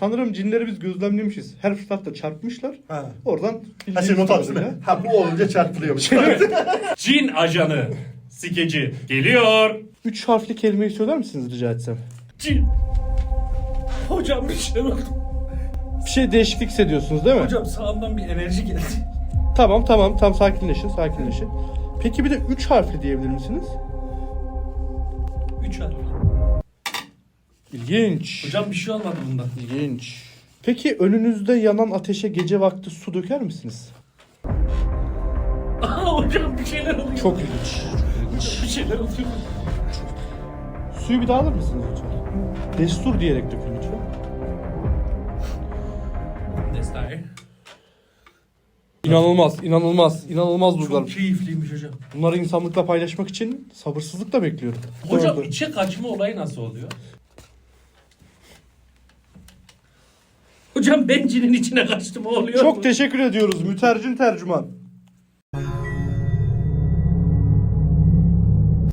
Sanırım cinleri biz gözlemlemişiz. Her fırsatta çarpmışlar. Ha. Oradan Ha sen not almışsın değil mi? Ha bu olunca çarpılıyormuş. Cin ajanı. Skeci geliyor. 3 harfli kelimeyi söyler misiniz rica etsem? Cin. Hocam bir şey oldu. Bir şey değişiklik hissediyorsunuz değil mi? Hocam sağımdan bir enerji geldi. Tamam sakinleşin. Peki bir de 3 harfli diyebilir misiniz? 3 harf. İlginç. Hocam bir şey olmadı bundan. İlginç. Peki önünüzde yanan ateşe gece vakti su döker misiniz? Hocam bir şeyler oluyor. Çok ilginç. Bir şeyler oluyor. Suyu bir daha alır mısınız lütfen? Destur diyerek dökün lütfen. Destai. İnanılmaz duygular. Çok keyifliymiş hocam. Bunları insanlıkla paylaşmak için sabırsızlıkla bekliyorum. Hocam Dördü. içe kaçma olayı nasıl oluyor? Hocam ben cinin içine kaçtım oluyor mu? Çok teşekkür ediyoruz mütercim tercüman.